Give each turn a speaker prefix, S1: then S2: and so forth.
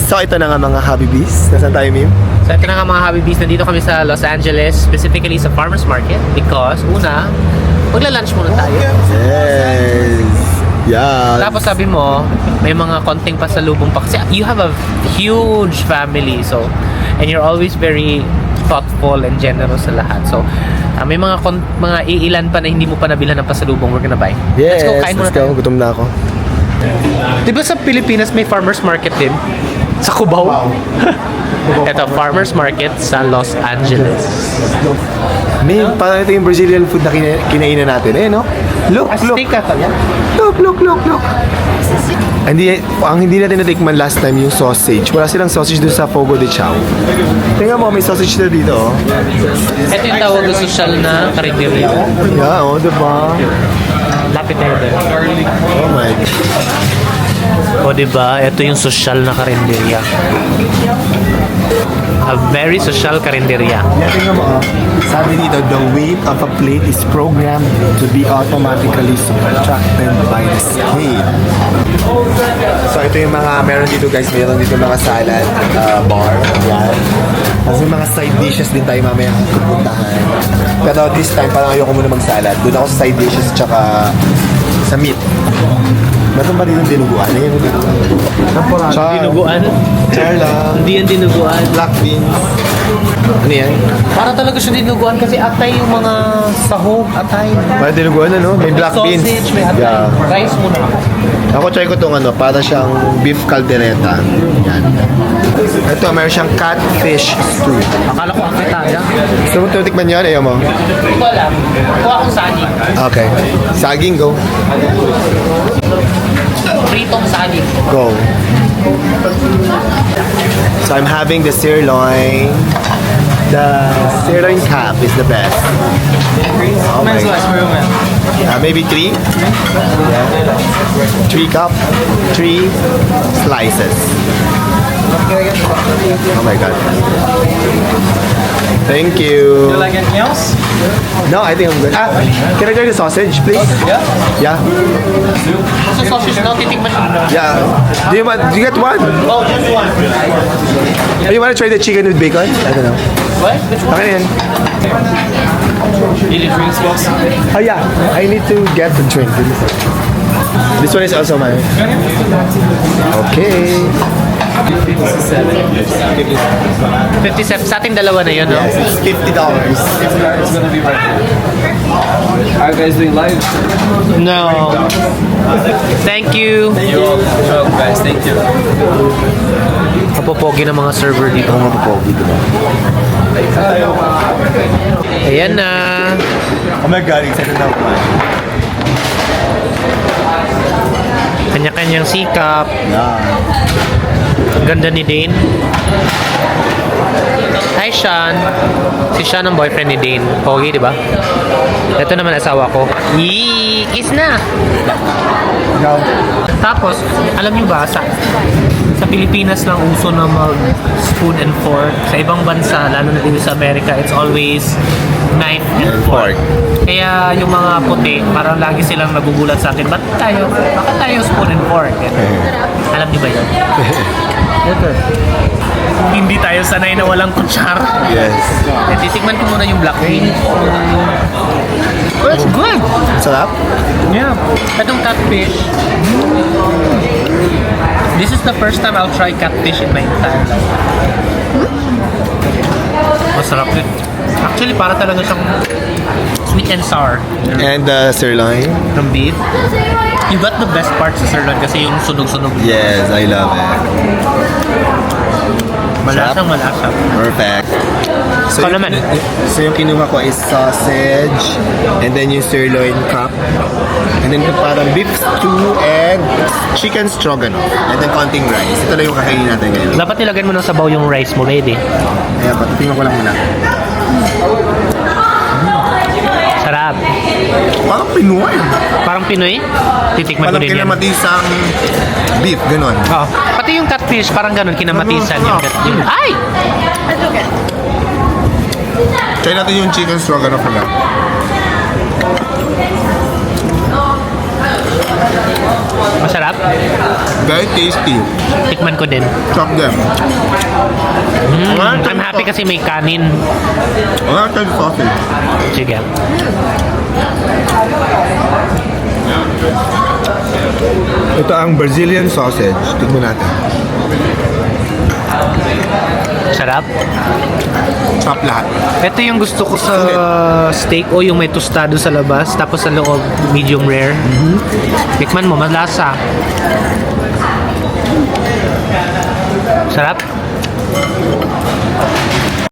S1: So ito na nga mga Habibis. Nasaan tayo, Mim?
S2: So ito na nga mga Habibis, nandito kami sa Los Angeles, specifically sa Farmers Market because una, magla-lunch muna tayo.
S1: Yes! Yeah!
S2: Tapos sabi mo, may mga konting pasalubong pa kasi you have a huge family, so and you're always very thoughtful and generous sa lahat. So may mga iilan pa na hindi mo pa nabilhan ng pasalubong we're gonna buy.
S1: Yes!
S2: Let's go, kain muna
S1: Let's go.
S2: tayo.
S1: Gutom na ako.
S2: Diba sa Pilipinas may farmers market din? Sa Cubao? Ito, farmers market sa Los Angeles.
S1: Mim, parang ito yung Brazilian food na kinainan natin. Eh, no? Look, look!
S2: Steak ata yan?
S1: Look! Ang hindi natin natikman last time yung sausage. Wala silang sausage doon sa Fogo de Chao. Tingnan mo, may sausage na dito, oh.
S2: Ito yung tawag na social na karinderya.
S1: Yeah, oh, diba?
S2: Lapit tayo din.
S1: Oh my God.
S2: O diba, ito yung social na karinderya. A very social karinderya.
S1: Yeah, tingnan mo, oh. Sabi dito, the weight of a plate is programmed to be automatically subtracted by the scale. So ito yung mga meron dito guys, meron dito mga salad bar. Yan. Kasi mga side dishes din tayo mamaya pupuntahan. Pero this time parang ayoko muna mag-salad. Doon ako sa side dishes tsaka sa meat. Meron ba dito dinuguan? Ano yung dinuguan?
S2: Dinuguan?
S1: Char lang.
S2: Hindi yan dinuguan.
S1: Black beans. Ano yan?
S2: Para talaga siya dinuguan kasi atay yung mga sahog, atay.
S1: Parang dinuguan ano? May black beans.
S2: Sausage, may atay.
S1: Yeah.
S2: Rice muna.
S1: Ako try ko itong ano, para siyang beef caldereta. Yan. Ito, meron siyang catfish stew.
S2: Akala ko akitaya.
S1: Gusto mo tutikman yan? Ayaw mo?
S2: Ito lang. Kuha akong saging.
S1: Okay. Saging, go.
S2: Pritong saging.
S1: Go. So I'm having the sirloin. The sirloin cap is the best. Oh my God. Maybe 3? Yeah. 3 cup. 3 slices. Oh my God. Thank you.
S3: You like anything else?
S1: No, I think I'm good. Can I try the sausage, please?
S3: Yeah.
S1: Yeah.
S2: Sa sausage na, titikman nyo.
S1: Yeah. Do you get one?
S2: Oh, just one.
S1: Oh, you want to try the chicken with bacon? I don't know.
S2: What? Which one?
S1: Okay yan.
S3: You need drinks, boss?
S1: Oh yeah, I need to get the drink. This one is also mine. Okay.
S2: 57. Sa ating dalawa na yun, no?
S1: Yes, it's $50.
S3: It's gonna be right here. Are you guys doing live?
S2: No. Thank you.
S3: You're welcome, guys. Thank you.
S2: Kapopogi ng mga server dito.
S1: Ang mapapogi, diba?
S2: Ayan na.
S1: Oh my God, excited na ako.
S2: Kanya-kanyang sikap.
S1: Yeah.
S2: Ang ganda ni Dane. Hi, Sean. Si Sean ang boyfriend ni Dane. Pogi, di ba? Ito naman asawa ko. Yee! Kiss na!
S1: Ikaw?
S2: Tapos, alam niyo ba, sa Pilipinas lang uso na mag-spoon and fork. Sa ibang bansa, lalo na dito sa Amerika, it's always knife and fork. Kaya yung mga puti, parang lagi silang nagugulat sa akin, bakit tayo spoon and fork? Alam niyo ba yun? Hindi tayo sanay na walang kutsara.
S1: Yes.
S2: Titikman ko muna yung black bean. Oh, it's good!
S1: Sarap?
S2: Yeah. Itong catfish. This is the first time I'll try catfish in my entire life. Masarap yun. Actually, para talaga siyang sweet and sour
S1: And the sirloin?
S2: ng beef. You got the best part sa sirloin kasi yung sunog-sunog.
S1: Yes, I love it.
S2: Malasang malasa.
S1: Perfect. So
S2: Ikaw naman.
S1: So yung kinuha ko is sausage, and then yung sirloin cup, and then parang beef stew and chicken stroganoff, and then konting rice. Ito lang yung kakainin natin ngayon.
S2: Dapat nilagyan mo ng sabaw yung rice mo, ready.
S1: Ayan, patitingnan ko lang muna.
S2: Sarap.
S1: Parang Pinoy.
S2: Parang Pinoy. Titikman ko
S1: Parang
S2: din yan.
S1: kinamatisang beef, ganun.
S2: Oh. Pati yung catfish, parang ganun, kinamatisan yung catfish. Ay!
S1: Try natin yung chicken stroganoff na lang.
S2: Masarap.
S1: Very tasty.
S2: Tikman ko din.
S1: Chop them.
S2: I'm happy kasi may kanin.
S1: Wala tayong sausage.
S2: Sige.
S1: Ito ang Brazilian sausage. Tignan natin.
S2: Sarap.
S1: Chop lahat.
S2: Ito yung gusto ko sa steak o yung may tostado sa labas tapos sa loob medium rare. Tikman mo, malasa. Sarap.